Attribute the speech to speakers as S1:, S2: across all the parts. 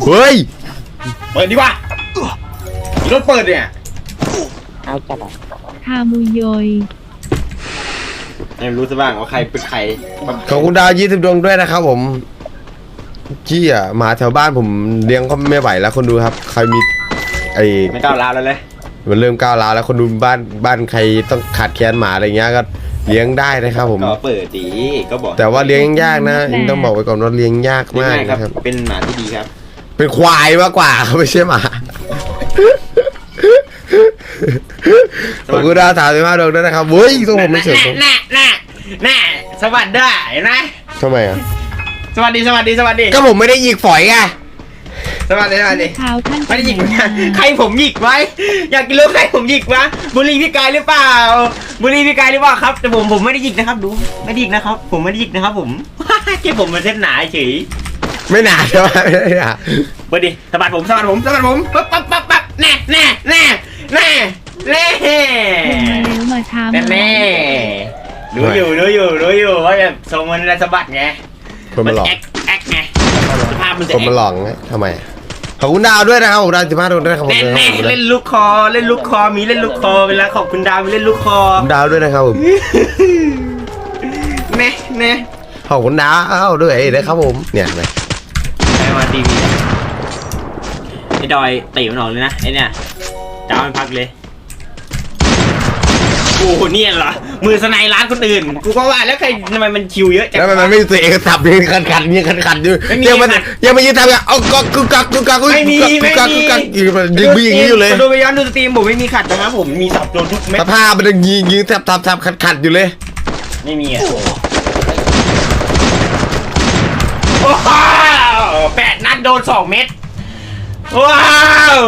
S1: เฮ้ย
S2: เปิดดีกว่ามีรถเปิดเนี่ย
S3: เอาจัดอ่ะ
S4: คามุยอย
S2: ไม่รู้ซะบ้างว่าใครเป็นใคร
S1: ขอบคุณดาว20 ดวงด้วยนะครับผมจี้อ่ะหมาแถวบ้านผมเลี้ยงก็ไม่ไหวแล้วคนดูครับใครมี
S2: ไม่ก้าวร้าวแล้วเลย
S1: มันเริ่มก้าวร้าวแล้วคนดูบ้านใครต้องขาดแคลนหมาอะไรเงี้ยก็เลี้ยงได้นะครับผม
S2: ก็เปิดดีก็บอก
S1: แต่ว่าเลี้ยงยากนะต้องบอกไว้ก่อนว่าเลี้ยงยากมากนะครับ
S2: เป็นหมาที่ดีครับ
S1: เป็นควายมากกว่าไม่ใช่หมาขอบคุณดาว35 ดวงด้วยนะครับเฮ้ยต้องผมไม่เฉย
S2: แน่สวัสดีเห็นไหม
S1: ทำไมอ่ะ
S2: สวัสดี
S1: ก็ผมไม่ได้หยิกฝอยไง
S2: สวัสดีไม่ได้หยิกใครผมหยิกไว้อยากกินรู้ใครผมหยิกวะบุรีพี่กายหรือเปล่าครับแต่ผมไม่ได้หยิกนะครับดูไม่ได้หยิกนะครับผมไม่ได้หยิกนะครับผมแค่ผมมันเส้นหนาเฉย
S1: ไม่หนาใช่ไหมไม่หนา
S2: เปิดดิสะบัดผมปั๊บแน่
S4: มาทำ
S2: แน่รู้อยู่ว่าแบบทรงมันสะบัดไง
S1: คนมาหลอก
S2: แอคไงภาพมันจะ
S1: คนมาหลอกไงทำไมขอบคุณดาวด้วยนะครับผมดาว15 ดวงด้วยครับผม
S2: เล่นลูกคอมีเล่นลูกคอเวลาขอบคุณดาวมีเล่นลูกคอ
S1: ดาวด้วยนะครับผม
S2: แน่
S1: ขอบคุณดาวด้วยนะครับผมเนี่ยไ
S2: ปมาทีวีไอ้ดอยตีมันออกเลยนะไอ้เนี่ยดาวมันพักเลยโอ้โหเนี่ยเหรอมือสไนร้านคนอื่นกูก็ว่าแล้วใครทำไมมันคิวเยอะจัง
S1: แล้วมันไม่ตัวเองสับยังขันอยู่ยังมายืนทำอย่างเอากัก
S2: ไม่มี
S1: ยิงอย่างนี้อยู่เลย
S2: ดูไปย้อนดูสตรีมผมไม่มีขัดนะครับผมมีสับโดนทุกเม็ด
S1: สภาพมันยิงทับขัดอยู่เลย
S2: ไม่มีอ่ะโอ้โห8 นัดโดน2 เม็ดว้าว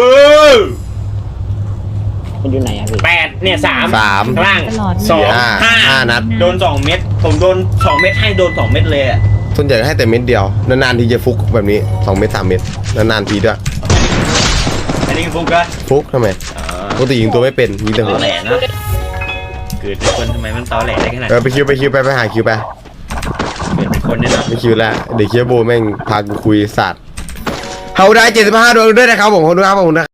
S3: มันอยู่ไหนอะพี่
S2: 8เนี่ย3ข้างล่าง
S1: 5 นัด
S2: โดน2 เม็ดผมโดน2 เม็ดให้โดน2 เม็ดเลยอ่ะ
S1: ส่วนใหญ่ให้แต่เม็ดเดียวนานๆทีจะฟุกแบบนี้2 เม็ด3 เม็ดนานๆทีด้วย
S2: อันนี้ฟุกก็
S1: ฟุกทำไมปกติยิงตัวไม่เป็นยิงแต่หัว
S2: แหลนะเกิดเป็นคนทำไมมันตอแหลได้ขนาด
S1: ไปคิวไปหาคิวไป
S2: เกิดเป็นคนเนี่ยนะ
S1: ไม่คิวแล้วเด็กเคียโบแม่งพากูคุยสัตว์เขาได้75 ดวงด้วยนะครับผมขอบคุณครับผมนะ